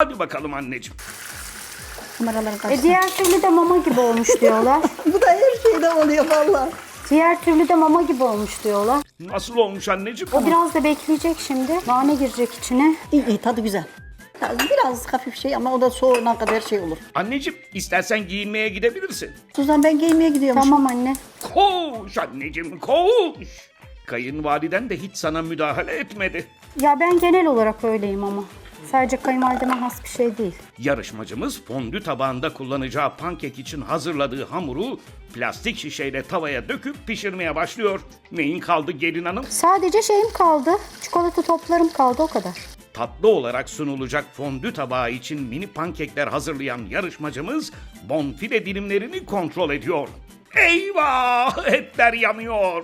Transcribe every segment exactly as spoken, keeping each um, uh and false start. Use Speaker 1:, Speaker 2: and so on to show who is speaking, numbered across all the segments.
Speaker 1: Hadi bakalım anneciğim.
Speaker 2: Kameralara karşı.
Speaker 3: E diğer türlü de mama gibi olmuş diyorlar.
Speaker 2: Bu da her şeyde oluyor valla.
Speaker 3: Diğer türlü de mama gibi olmuş diyorlar.
Speaker 1: Nasıl olmuş anneciğim?
Speaker 3: O biraz da bekleyecek şimdi. Nane girecek içine.
Speaker 2: İyi iyi tadı güzel. Biraz, biraz hafif şey ama o da soğuna kadar şey olur.
Speaker 1: Anneciğim istersen giyinmeye gidebilirsin.
Speaker 2: Suzan ben giymeye gidiyorum.
Speaker 3: Tamam anne.
Speaker 1: Koş anneciğim koş. Kayınvaliden de hiç sana müdahale etmedi.
Speaker 3: Ya ben genel olarak öyleyim ama. Sadece kayınvalideme has bir şey değil.
Speaker 1: Yarışmacımız fondü tabağında kullanacağı pankek için hazırladığı hamuru plastik şişeyle tavaya döküp pişirmeye başlıyor. Neyin kaldı gelin hanım?
Speaker 3: Sadece şeyim kaldı. Çikolata toplarım kaldı o kadar.
Speaker 1: Tatlı olarak sunulacak fondü tabağı için mini pankekler hazırlayan yarışmacımız bonfile dilimlerini kontrol ediyor. Eyvah! Etler yanıyor.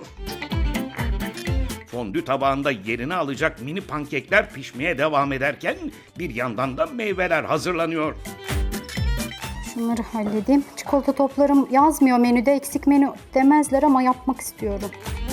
Speaker 1: Fondü tabağında yerini alacak mini pankekler pişmeye devam ederken bir yandan da meyveler hazırlanıyor.
Speaker 3: Şunları halledeyim. Çikolata toplarım yazmıyor menüde. Eksik menü demezler ama yapmak istiyorum.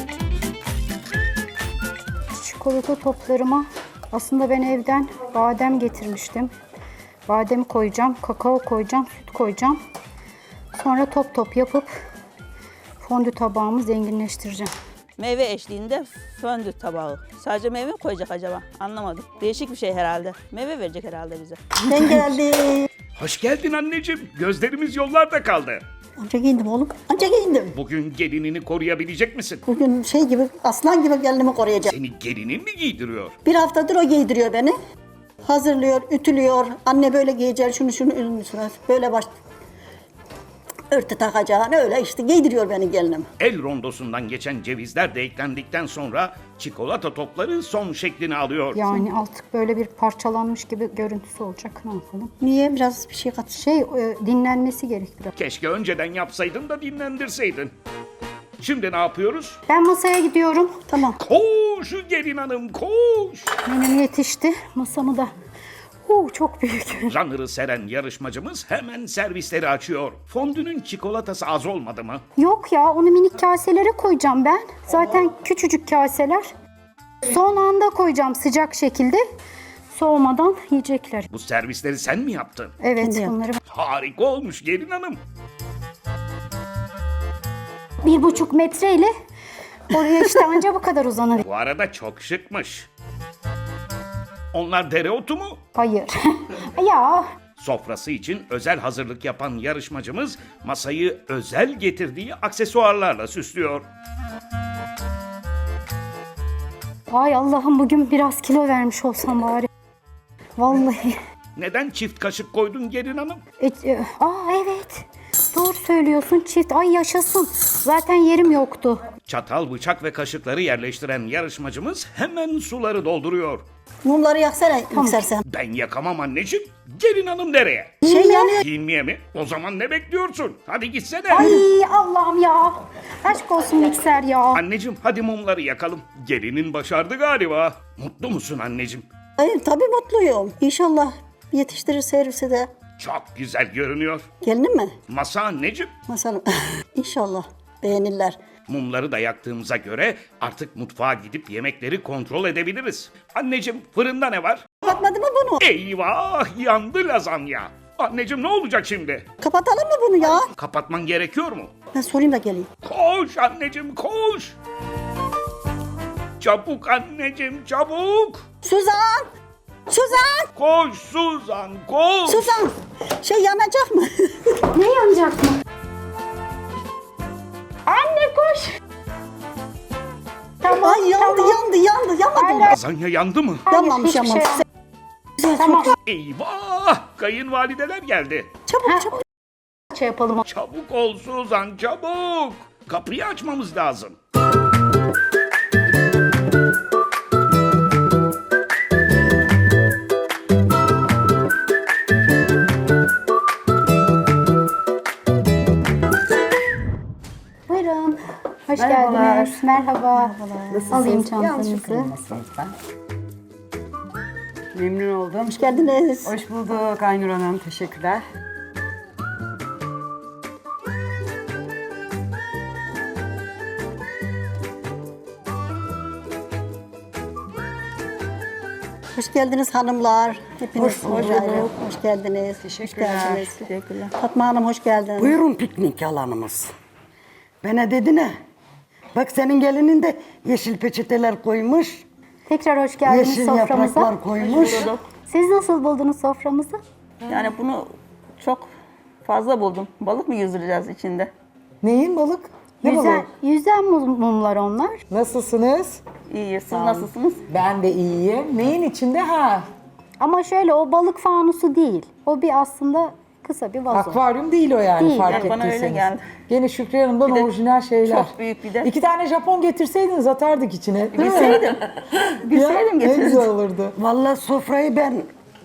Speaker 3: Çikolata toplarıma aslında ben evden badem getirmiştim. Badem koyacağım, kakao koyacağım, süt koyacağım. Sonra top top yapıp fondü tabağımı zenginleştireceğim.
Speaker 4: Meyve eşliğinde fondü tabağı. Sadece meyve mi koyacak acaba? Anlamadım. Değişik bir şey herhalde. Meyve verecek herhalde bize.
Speaker 2: Ben geldim.
Speaker 1: Hoş geldin anneciğim. Gözlerimiz yollarda kaldı.
Speaker 2: Anca giyindim oğlum. Anca giyindim.
Speaker 1: Bugün gelinini koruyabilecek misin?
Speaker 2: Bugün şey gibi aslan gibi gelinimi koruyacağım.
Speaker 1: Seni gelinin mi giydiriyor?
Speaker 2: Bir haftadır o giydiriyor beni. Hazırlıyor, ütülüyor. Anne böyle giyeceksin, şunu şunu ürünüsünü. Böyle baş... Örtü takacaksın, öyle işte giydiriyor beni gelinim.
Speaker 1: El rondosundan geçen cevizler de eklendikten sonra çikolata topları son şeklini alıyor.
Speaker 3: Yani artık böyle bir parçalanmış gibi görüntüsü olacak. Ne yapalım?
Speaker 2: Niye? Biraz bir şey kat.
Speaker 3: Şey e, dinlenmesi gerek biraz.
Speaker 1: Keşke önceden yapsaydın da dinlendirseydin. Şimdi ne yapıyoruz?
Speaker 3: Ben masaya gidiyorum.
Speaker 2: Tamam.
Speaker 1: Koş gelin hanım koş.
Speaker 3: Menüm yetişti. Masamı da. Huu, çok büyük.
Speaker 1: Runner'ı seren yarışmacımız hemen servisleri açıyor. Fondünün çikolatası az olmadı mı?
Speaker 3: Yok ya onu minik kaselere koyacağım ben. Zaten küçücük kaseler. Son anda koyacağım sıcak şekilde. Soğumadan yiyecekler.
Speaker 1: Bu servisleri sen mi yaptın?
Speaker 3: Evet
Speaker 2: Kendi yaptım.
Speaker 3: bunları
Speaker 1: Harika olmuş gelin hanım.
Speaker 3: bir buçuk metreyle oraya işte anca bu kadar uzanır.
Speaker 1: Bu arada çok şıkmış. Onlar dereotu mu?
Speaker 3: Hayır. Ya
Speaker 1: Sofrası için özel hazırlık yapan yarışmacımız masayı özel getirdiği aksesuarlarla süslüyor.
Speaker 3: ay Allah'ım bugün biraz kilo vermiş olsam bari. Vallahi.
Speaker 1: Neden çift kaşık koydun gelin hanım?
Speaker 3: E, e, aa evet. Doğru söylüyorsun çift. Ay yaşasın. Zaten yerim yoktu.
Speaker 1: Çatal, bıçak ve kaşıkları yerleştiren yarışmacımız hemen suları dolduruyor.
Speaker 2: Mumları yaksana yükselsen.
Speaker 1: Ben yakamam anneciğim. Gelin hanım nereye?
Speaker 2: Şey yanıyor.
Speaker 1: Giyinmeye mi? O zaman ne bekliyorsun? Hadi gitsene.
Speaker 3: Ay Allah'ım ya. Aşk olsun mikser ya.
Speaker 1: Anneciğim hadi mumları yakalım. Gelinin başardı galiba. Mutlu musun anneciğim?
Speaker 2: Hayır tabii mutluyum. İnşallah yetiştirir servise de.
Speaker 1: Çok güzel görünüyor.
Speaker 2: Gelinim mi?
Speaker 1: Masa anneciğim.
Speaker 2: Mesela İnşallah beğenirler.
Speaker 1: Mumları da yaktığımıza göre artık mutfağa gidip yemekleri kontrol edebiliriz. Anneciğim fırında ne var?
Speaker 2: Kapatmadı mı bunu?
Speaker 1: Eyvah yandı lazanya. Anneciğim ne olacak şimdi?
Speaker 2: Kapatalım mı bunu ya?
Speaker 1: Kapatman gerekiyor mu?
Speaker 2: Ben sorayım da geleyim.
Speaker 1: Koş anneciğim koş. Çabuk anneciğim çabuk.
Speaker 2: Suzan! Suzan!
Speaker 1: Koş Suzan koş.
Speaker 2: Suzan! Şey yanacak mı?
Speaker 3: Ne yanacak mı? Anne koş. Tamam
Speaker 2: Ay yandı
Speaker 3: tamam.
Speaker 2: yandı yandı yanmadı mı?
Speaker 1: Lazanya yandı mı?
Speaker 3: Hayır,
Speaker 2: Yanmamış
Speaker 3: hiçbir
Speaker 2: ama.
Speaker 3: şey yok.
Speaker 2: Güzel,
Speaker 3: Tamam.
Speaker 2: çok
Speaker 1: Eyvah kayınvalideler geldi.
Speaker 2: çabuk çabuk.
Speaker 3: Şey yapalım.
Speaker 1: Çabuk ol Suzan çabuk. Kapıyı açmamız lazım.
Speaker 3: Buyurun. Hoş
Speaker 5: Merhabalar.
Speaker 3: geldiniz. Merhaba.
Speaker 5: Nasılsınız?
Speaker 3: Alayım
Speaker 5: Yanlış
Speaker 3: çantanızı.
Speaker 5: kılmasınız ben. Memnun oldum.
Speaker 2: Hoş geldiniz.
Speaker 5: Hoş bulduk Aynur Hanım. Teşekkürler.
Speaker 2: Hoş geldiniz hanımlar. Hepiniz hoş,
Speaker 5: bulduk.
Speaker 2: hoş geldiniz.
Speaker 5: Teşekkürler.
Speaker 2: Hoş geldiniz.
Speaker 4: Teşekkürler.
Speaker 2: Fatma Hanım hoş geldiniz.
Speaker 6: Buyurun piknik alanımız. Bana dedi ne? Bak senin gelinin de yeşil peçeteler koymuş.
Speaker 3: Tekrar hoş geldiniz
Speaker 6: Yeşil
Speaker 3: soframıza.
Speaker 6: yapraklar koymuş.
Speaker 3: Siz nasıl buldunuz soframızı?
Speaker 4: Yani bunu çok fazla buldum. Balık mı yüzdüreceğiz içinde?
Speaker 7: Neyin balık? Ne
Speaker 3: Yüzen,
Speaker 7: balığı?
Speaker 3: yüzen mum- mumlar onlar.
Speaker 7: Nasılsınız?
Speaker 4: İyi. Siz nasılsınız?
Speaker 7: Ben de iyiyim. Neyin içinde? Ha,
Speaker 3: Ama şöyle o balık fanusu değil. O bir aslında kısa bir vazo.
Speaker 7: akvaryum değil o yani
Speaker 3: Değil.
Speaker 7: fark
Speaker 4: Yani bana öyle
Speaker 7: ettiyseniz.
Speaker 4: geldi.
Speaker 7: Gene Şükriye Hanım'dan
Speaker 4: Bir de
Speaker 7: orijinal şeyler.
Speaker 4: çok büyük bir de.
Speaker 7: İki tane Japon getirseydiniz atardık içine. Değil mi?
Speaker 4: Bilseydim. Bilseydim
Speaker 7: Ne
Speaker 4: getirirdim.
Speaker 7: güzel olurdu.
Speaker 6: Vallahi sofrayı ben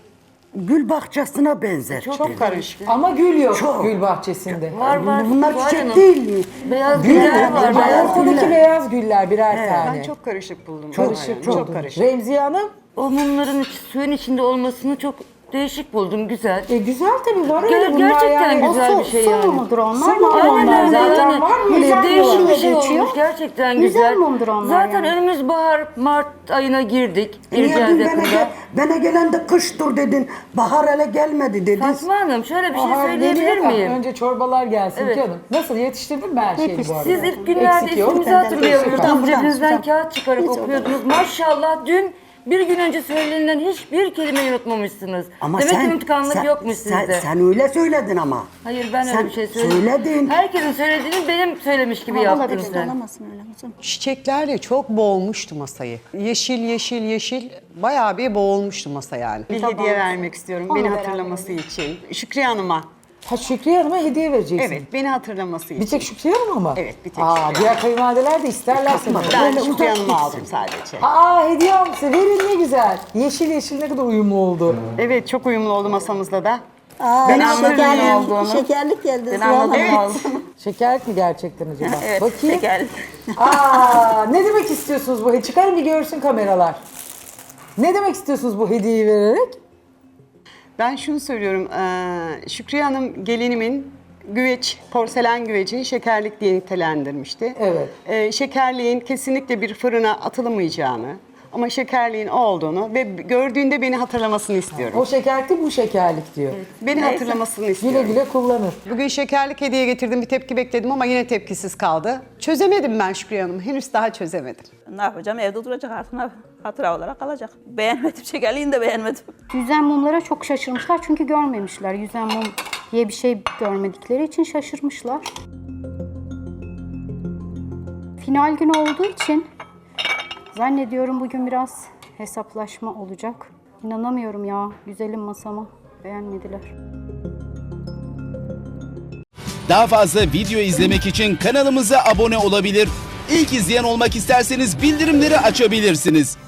Speaker 6: gül bahçesine benzettim.
Speaker 7: Çok karışık. Ama gül yok
Speaker 6: Çok.
Speaker 7: gül bahçesinde.
Speaker 8: Var var.
Speaker 6: Bunlar
Speaker 8: var
Speaker 6: çiçek
Speaker 8: yanım.
Speaker 6: değil.
Speaker 8: Beyaz
Speaker 7: Gül
Speaker 8: güller var.
Speaker 7: ama
Speaker 8: Beyaz
Speaker 7: ortadaki
Speaker 6: güller.
Speaker 7: beyaz güller birer tane.
Speaker 5: Ben çok karışık buldum.
Speaker 7: karışık
Speaker 5: Yani,
Speaker 7: çok.
Speaker 5: çok karışık.
Speaker 7: Remziye Hanım,
Speaker 8: O mumların iç- suyun içinde olmasını çok değişik buldum. Güzel.
Speaker 7: e, güzel tabii var öyle
Speaker 8: Ger-
Speaker 7: bunlar
Speaker 8: gerçekten
Speaker 7: yani.
Speaker 3: O
Speaker 8: güzel
Speaker 3: su,
Speaker 8: bir şey
Speaker 3: su
Speaker 8: yani.
Speaker 3: mumudur onlar.
Speaker 7: Su mumu
Speaker 3: Aynen
Speaker 7: onlar
Speaker 3: öyle.
Speaker 7: zaten
Speaker 8: Yani
Speaker 7: var mı öyle
Speaker 3: güzel
Speaker 7: bir
Speaker 8: Değişik
Speaker 7: şey?
Speaker 8: bir
Speaker 3: diye
Speaker 8: şey
Speaker 3: geçiyor.
Speaker 8: olmuş. Gerçekten
Speaker 3: Güzel
Speaker 8: güzel.
Speaker 3: mumdur onlar
Speaker 8: Zaten
Speaker 3: yani.
Speaker 8: önümüz bahar, Mart ayına girdik.
Speaker 6: Niye
Speaker 8: Gireceğiz
Speaker 6: dün bana,
Speaker 8: yakında.
Speaker 6: gel, bana gelen de kıştır dedin. Bahar hele gelmedi dedin.
Speaker 8: Fatma Hanım şöyle bir şey
Speaker 7: Bahar
Speaker 8: söyleyebilir
Speaker 7: geliyor da
Speaker 8: miyim?
Speaker 7: Önce çorbalar gelsin
Speaker 8: Evet.
Speaker 7: canım. Nasıl yetiştirdin mi her şeyi bu arada?
Speaker 8: Siz ilk günlerde
Speaker 7: Eksik yok.
Speaker 8: ismimizi
Speaker 2: Benden
Speaker 8: hatırlıyordunuz.
Speaker 2: Buradan, buradan,
Speaker 8: Cebinizden
Speaker 2: buradan.
Speaker 8: kağıt çıkarıp okuyordunuz. Maşallah dün bir gün önce söylenilen hiçbir kelimeyi unutmamışsınız. Demek ki unutkanlık
Speaker 6: sen-
Speaker 8: yokmuş
Speaker 6: sen,
Speaker 8: sizde.
Speaker 6: Sen öyle söyledin ama.
Speaker 8: Hayır ben
Speaker 6: Sen
Speaker 8: öyle bir şey söyledim.
Speaker 6: söyledin.
Speaker 8: Herkesin söylediğini benim söylemiş gibi yaptın
Speaker 2: Olabilir,
Speaker 8: sen.
Speaker 2: olamazsın öyle kızım.
Speaker 9: Çiçeklerle çok boğulmuştu masayı. Yeşil yeşil yeşil bayağı bir boğulmuştu masa yani.
Speaker 5: Bir hediye vermek istiyorum beni hatırlaması için. Şükriye Hanım'a.
Speaker 7: Ha Şükriye Hanım'a hediye vereceksin.
Speaker 5: Evet, beni hatırlaması için.
Speaker 7: Bir tek Şükriye Hanım ama?
Speaker 5: Evet, bir tek
Speaker 7: Aa,
Speaker 5: Şükriye.
Speaker 7: diğer kayınvalideler de isterlerse.
Speaker 5: Ben
Speaker 6: Böyle
Speaker 5: Şükriye
Speaker 6: uzak
Speaker 5: Hanım'a
Speaker 6: gitsin.
Speaker 5: aldım sadece.
Speaker 7: Aa hediye almışsın. Verin ne güzel. Yeşil yeşil ne kadar uyumlu oldu.
Speaker 5: Evet, çok uyumlu oldu masamızda da.
Speaker 2: Aa,
Speaker 4: Ben anladım ne
Speaker 2: şekerlik,
Speaker 4: olduğunu.
Speaker 2: şekerlik geldi.
Speaker 4: Ben anladım
Speaker 2: Vallahi.
Speaker 4: ne oldu.
Speaker 7: Şekerlik mi gerçekten acaba?
Speaker 4: Evet.
Speaker 7: Bakayım.
Speaker 4: Şeker.
Speaker 7: Aa, ne demek istiyorsunuz bu? Çıkarın bir görsün kameralar. Ne demek istiyorsunuz bu hediyeyi vererek?
Speaker 5: Ben şunu söylüyorum, eee, Şükriye Hanım gelinimin güveç, porselen güvecini şekerlik diye nitelendirmişti.
Speaker 7: Evet.
Speaker 5: Eee, şekerliğin kesinlikle bir fırına atılamayacağını ama şekerliğin o olduğunu ve gördüğünde beni hatırlamasını istiyorum.
Speaker 7: O şekerlik değil, bu şekerlik diyor.
Speaker 5: Beni hatırlamasını
Speaker 7: Güle
Speaker 5: istiyorum.
Speaker 7: güle kullanır.
Speaker 9: Bugün şekerlik hediye getirdim, bir tepki bekledim ama yine tepkisiz kaldı. Çözemedim ben Şükriye Hanım, henüz daha çözemedim.
Speaker 4: Ne yapacağım? Evde duracak artık. Ne yap- Hatıra olarak kalacak. Beğenmedim. Şekerliğini de beğenmedim.
Speaker 3: Yüzen mumlara çok şaşırmışlar çünkü görmemişler. Yüzen mum diye bir şey görmedikleri için şaşırmışlar. Final günü olduğu için zannediyorum bugün biraz hesaplaşma olacak. İnanamıyorum ya güzelim masama. Beğenmediler.
Speaker 10: Daha fazla video izlemek için kanalımıza abone olabilir. İlk izleyen olmak isterseniz bildirimleri açabilirsiniz.